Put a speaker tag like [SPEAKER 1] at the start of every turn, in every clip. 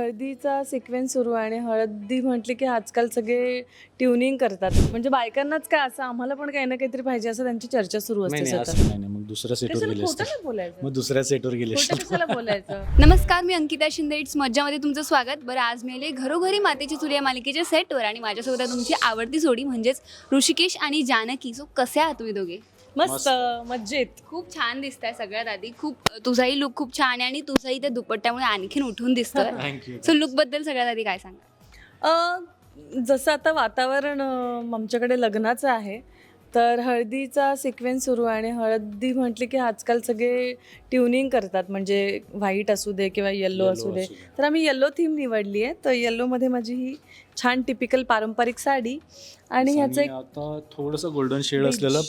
[SPEAKER 1] हळदीचा सिक्वेन्स सुरू आहे आणि हळदी म्हटली की आजकाल सगळे ट्युनिंग करतात. म्हणजे बायकांनाच काय असं आम्हाला पण काही ना काहीतरी पाहिजे असं त्यांची चर्चा सुरू असते
[SPEAKER 2] नाही
[SPEAKER 1] सतत.
[SPEAKER 2] असं नाही मग दुसऱ्या सेटवर
[SPEAKER 1] कशाला
[SPEAKER 2] गेले
[SPEAKER 1] खोटं
[SPEAKER 2] असते.
[SPEAKER 1] नाही बोलायचं.
[SPEAKER 2] मग दुसऱ्या सेटवर गेले
[SPEAKER 1] खोटं
[SPEAKER 2] असते.
[SPEAKER 1] कशाला बोलायचं.
[SPEAKER 3] नमस्कार, मी अंकिता शिंदे. इट्स मज्जामध्ये तुमचं स्वागत. बरं, आज मी आले घरोघरी मातेची चूल या मालिकेच्या सेटवर आणि माझ्यासोबत आहे तुमची आवडती जोडी म्हणजेच ऋषिकेश आणि जानकी. सो कसे आहात तुम्ही दोघे?
[SPEAKER 1] मस्त मज्जेत.
[SPEAKER 3] खूप छान दिसताय. सगळ्यात आधी तुझाही लुक खूप छान आहे आणि तुझाही त्या दुपट्ट्यामुळे आणखीन उठून दिसतोय.
[SPEAKER 2] थँक्यू.
[SPEAKER 3] सो लुक बद्दल सगळ्यात आधी काय सांगा?
[SPEAKER 1] जसं आता वातावरण आमच्याकडे लग्नाचं आहे, तर हळदीचा सिक्वेन्स सुरू आहे आणि हळदी म्हटली की आजकाल सगळे ट्युनिंग करतात. म्हणजे व्हाईट असू दे किंवा येल्लो असू दे. तर आम्ही येल्लो थीम निवडली आहे. तर येल्लोमध्ये माझी ही छान टिपिकल पारंपरिक साडी आणि ह्याचं एक
[SPEAKER 2] आता थोडंसं गोल्डन शेड
[SPEAKER 1] Beige.
[SPEAKER 2] असलेलं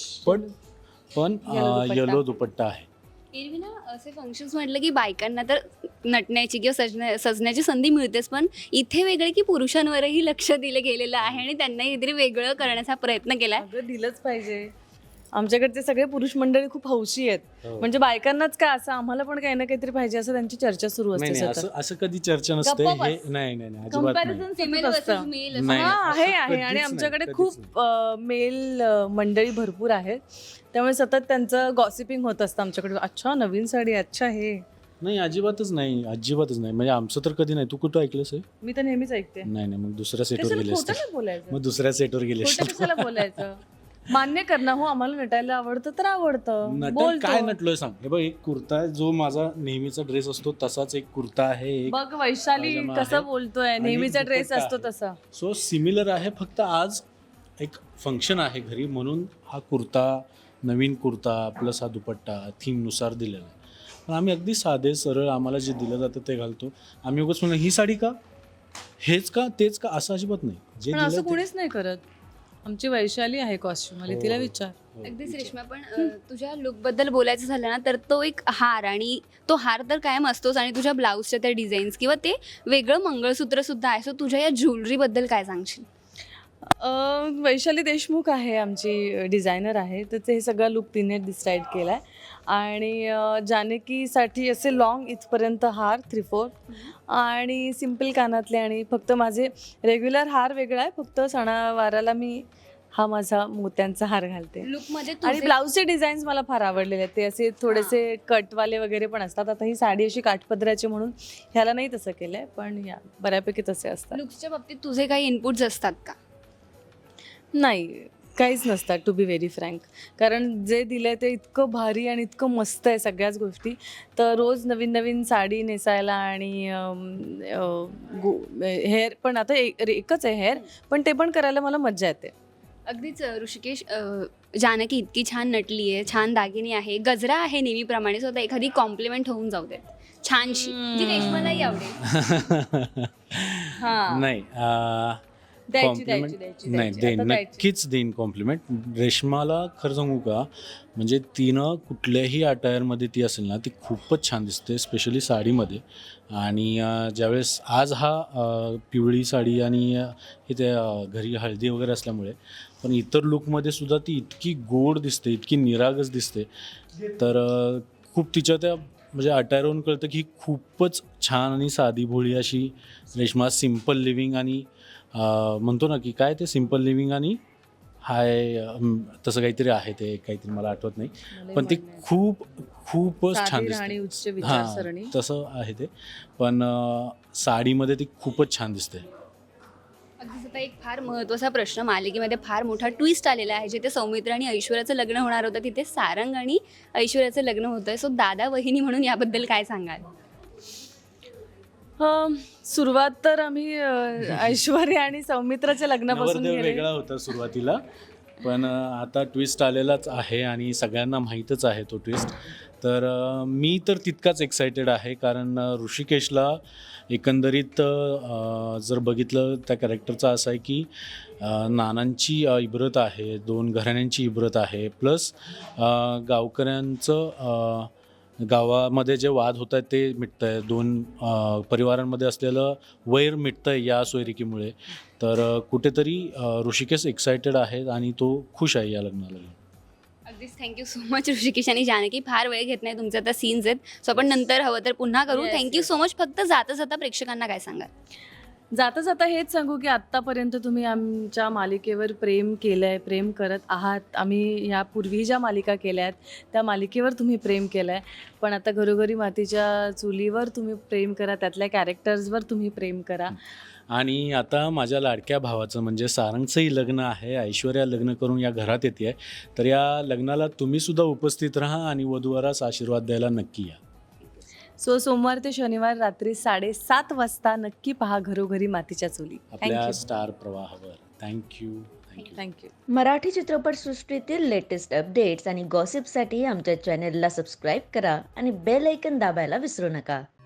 [SPEAKER 2] पण
[SPEAKER 1] Yellow दुपट्टा.
[SPEAKER 2] येलो दुपट्टा आहे.
[SPEAKER 3] एरवी ना असे फंक्शन्स म्हटलं की बायकांना तर नटण्याची किंवा सजण्याची संधी मिळतेच, पण इथे वेगळे की पुरुषांवरही लक्ष दिलं गेलेलं आहे आणि त्यांनाही काहीतरी वेगळं करण्याचा प्रयत्न केलाय.
[SPEAKER 1] अगं दिलंच पाहिजे. आमच्याकडचे सगळे पुरुष मंडळी खूप हौशी आहेत.
[SPEAKER 2] हो.
[SPEAKER 1] म्हणजे बायकांनाच काय असं आम्हाला पण काही ना काहीतरी पाहिजे असं त्यांची चर्चा सुरू
[SPEAKER 2] नाही
[SPEAKER 1] असते
[SPEAKER 2] नाही
[SPEAKER 1] सतत.
[SPEAKER 2] असं कधी चर्चा नसते.
[SPEAKER 1] गप्पा
[SPEAKER 2] हे
[SPEAKER 1] बस.
[SPEAKER 2] नाही अजिबात नाही.
[SPEAKER 1] Comparison
[SPEAKER 3] Female
[SPEAKER 1] सतत
[SPEAKER 3] versus
[SPEAKER 1] असतं.
[SPEAKER 3] male असं.
[SPEAKER 2] नाही,
[SPEAKER 1] हा
[SPEAKER 2] असं
[SPEAKER 1] आहे
[SPEAKER 2] कधीच
[SPEAKER 1] आणि
[SPEAKER 2] नाही,
[SPEAKER 1] आमच्याकडे
[SPEAKER 2] कधीच
[SPEAKER 1] खूप मेल मंडळी भरपूर आहेत. त्यामुळे सतत त्यांचं गॉसिपिंग होत असतं आमच्याकडे. अच्छा नवीन साडी, अच्छा हे.
[SPEAKER 2] नाही अजिबातच नाही. म्हणजे आमचं तर कधी नाही. तू कुठं ऐकलंस हे?
[SPEAKER 1] मी तर नेहमीच ऐकते.
[SPEAKER 2] नाही मग दुसऱ्या सेटवर
[SPEAKER 1] कशाला
[SPEAKER 2] गेले असते.
[SPEAKER 1] खोटं नाही बोलायचं.
[SPEAKER 2] मग दुसऱ्या सेटवर गेले
[SPEAKER 1] खोटं
[SPEAKER 2] असते.
[SPEAKER 1] कशाला बोलायचं. मान्य कर ना, हो आम्हाला नटायला आवडतं तर आवडतं.
[SPEAKER 2] नटन काय नटलोय सांग. हे बघ, एक कुर्ता आहे जो माझा नेहमीचा ड्रेस असतो तसाच एक कुर्ता आहे. एक
[SPEAKER 1] बघ वैशाली
[SPEAKER 2] पायजमा
[SPEAKER 1] कसं
[SPEAKER 2] आहे.
[SPEAKER 1] बोलतोय.
[SPEAKER 2] आणि
[SPEAKER 1] नेहमीचा ड्रेस
[SPEAKER 2] दुपट्टा
[SPEAKER 1] असतो
[SPEAKER 2] आहे.
[SPEAKER 1] तसा.
[SPEAKER 2] सो सिमिलर आहे. फक्त आज एक फंक्शन आहे घरी म्हणून हा कुर्ता, नवीन कुर्ता प्लस हा दुपट्टा थीमनुसार दिलेला आहे. पण आम्ही अगदी साधे सरळ आम्हाला जे दिलं जातं ते घालतो. आम्ही उगाच म्हणून ही साडी का, हेच का, तेच का, असं अजिबात नाही. जे
[SPEAKER 1] पण
[SPEAKER 2] दिलं
[SPEAKER 1] असं
[SPEAKER 2] ते-
[SPEAKER 1] कोणीच नाही करत. आमची वैशाली आहे कॉस्ट्युम वाली,
[SPEAKER 2] हो,
[SPEAKER 1] तिला
[SPEAKER 2] हो.
[SPEAKER 1] विचार.
[SPEAKER 2] हो,
[SPEAKER 3] अगदीच
[SPEAKER 2] विचार.
[SPEAKER 3] रेश्मा, पण तुझ्या लुकबद्दल बोलायचं झालं ना तर तो एक हार, आणि तो हार तर कायम असतोच, आणि तुझ्या ब्लाऊजच्या त्या डिझाईन्स किंवा ते वेगळं मंगळसूत्र सुद्धा आहे. सो तुझ्या या ज्वेलरीबद्दल काय सांगशील?
[SPEAKER 1] वैशाली देशमुख आहे आमची डिझायनर आहे. तर ते हे सगळं लुक तिने डिसाईड केला आहे. आणि जानकीसाठी असे लॉंग इथपर्यंत हार 3/4 आणि सिम्पल कानातले, आणि फक्त माझे रेग्युलर हार वेगळा आहे. फक्त सणावाराला मी हा माझा मोत्यांचा हार घालते.
[SPEAKER 3] लुकमध्ये
[SPEAKER 1] आणि ब्लाऊजचे डिझाईन्स मला फार आवडलेले आहेत. ते असे थोडेसे कटवाले वगैरे पण असतात. आता ही साडी अशी काठपदराची म्हणून ह्याला नाही तसं केलं आहे, पण या बऱ्यापैकी तसे असतात.
[SPEAKER 3] लुक्सच्या बाबतीत तुझे काही इनपुट्स असतात का?
[SPEAKER 1] नाही, काहीच नसतात टू बी व्हेरी फ्रँक. कारण जे दिलं आहे ते इतकं भारी आणि इतकं मस्त आहे सगळ्याच गोष्टी. तर रोज नवीन नवीन साडी नेसायला आणि हेअर पण आता एकच आहे हेअर, पण ते पण करायला मला मज्जा येते.
[SPEAKER 3] अगदीच ऋषिकेश, जानकी इतकी छान नटली आहे, छान दागिनी आहे, गजरा आहे नेहमीप्रमाणे. सो आता एखादी कॉम्प्लिमेंट होऊन जाऊ देत छानशी, जी रेश्मालाही आवडेल.
[SPEAKER 1] हां,
[SPEAKER 2] नाही
[SPEAKER 1] द्यायची
[SPEAKER 2] कॉम्प्लिमेंट
[SPEAKER 1] द्यायची
[SPEAKER 2] नाही
[SPEAKER 1] द्यायची.
[SPEAKER 2] देईन,
[SPEAKER 1] आता द्यायची.
[SPEAKER 2] नक्कीच देईन कॉम्प्लिमेंट. रेश्माला खरं सांगू का, म्हणजे तिनं कुठल्याही अटायरमध्ये ती असेल ना ती खूपच छान दिसते, स्पेशली साडीमध्ये. आणि ज्यावेळेस आज हा पिवळी साडी आणि हे ते घरी हळदी वगैरे असल्यामुळे, पण इतर लुकमध्ये सुद्धा ती इतकी गोड दिसते, इतकी निरागस दिसते. तर खूप तिच्या त्या म्हणजे अटायरवरून कळतं की ही खूपच छान आणि साधी भोळी अशी रेश्मा. सिम्पल लिव्हिंग आणि म्हणतो ना की काय ते सिम्पल लिव्हिंग आणि तसं काहीतरी आहे, ते काहीतरी मला आठवत नाही, पण ते खूपच छान
[SPEAKER 1] साधी राहणी,
[SPEAKER 2] दिसते.
[SPEAKER 1] उच्च विचारसरणी.
[SPEAKER 2] तसं आहे ते. पण साडीमध्ये ती खूपच छान दिसते.
[SPEAKER 3] अगदीच आता एक फार महत्त्वाचा प्रश्न, मालिकेमध्ये फार मोठा ट्विस्ट आलेला आहे. जिथे सौमित्र आणि ऐश्वर्याचं लग्न होणार होतं तिथे सारंग आणि ऐश्वर्याचं लग्न होतंय. सो दादा वहिनी म्हणून याबद्दल काय सांगाल?
[SPEAKER 1] सुरुवात तर आम्ही ऐश्वर्या आणि सौमित्राच्या लग्नापासून
[SPEAKER 2] नवरदेव
[SPEAKER 1] केली.
[SPEAKER 2] वेगळा होता सुरुवातीला, पण आता ट्विस्ट आलेलाच आहे आणि सगळ्यांना माहीतच आहे तो ट्विस्ट. तर मी तर तितकाच एक्सायटेड आहे, कारण ऋषिकेशला एकंदरीत जर बघितलं त्या कॅरेक्टरचा असं आहे की नानांची इब्रत आहे, 2 घराण्यांची इब्रत आहे, प्लस गावकऱ्यांचं गावामध्ये जे वाद होत आहेत ते मिटतं आहे, 2 परिवारांमध्ये असलेलं वैर मिटतं आहे या सोयरिकीमुळे. तर कुठेतरी ऋषिकेश एक्सायटेड आहे आणि तो खुश आहे या लग्नाला.
[SPEAKER 3] अगदीच थँक्यू सो मच ऋषिकेश आणि जानकी. फार वेळ घेत नाही, तुमचे आता सीन्स आहेत, सो आपण नंतर हवं तर पुन्हा करू.
[SPEAKER 1] Yes,
[SPEAKER 3] thank you
[SPEAKER 1] yes.
[SPEAKER 3] So much. फक्त जाता जाता प्रेक्षकांना काय सांगाल?
[SPEAKER 1] जाता जाता हेच सांगू की आत्तापर्यंत तुम्ही आमच्या मालिकेवर प्रेम केलं आहे, प्रेम करत आहात. आम्ही ह्यापूर्वी ज्या मालिका केल्या आहेत त्या मालिकेवर तुम्ही प्रेम केलं आहे, पण आता घरोघरी मातीच्या चुलीवर तुम्ही प्रेम करा, त्यातल्या कॅरेक्टर्सवर तुम्ही प्रेम करा.
[SPEAKER 2] आणि आता माझ्या लाडक्या भावाचं म्हणजे सारंगचंही लग्न आहे. ऐश्वर्या लग्न करून या घरात येते, तर या लग्नाला तुम्हीसुद्धा उपस्थित राहा आणि वधूवरास आशीर्वाद द्यायला नक्की या.
[SPEAKER 1] सो सोमवार ते शनिवार रात्री 7:30 वाजता नक्की पहा घरोघरी मातीच्या चुली.
[SPEAKER 2] आपल्या स्टार प्रवाहावर. थँक्यू.
[SPEAKER 1] थँक्यू.
[SPEAKER 4] मराठी चित्रपटसृष्टीतील लेटेस्ट अपडेट्स आणि गॉसिपसाठी आमच्या चॅनेलला सबस्क्राईब करा आणि बेल ऐकन दाबायला विसरू नका.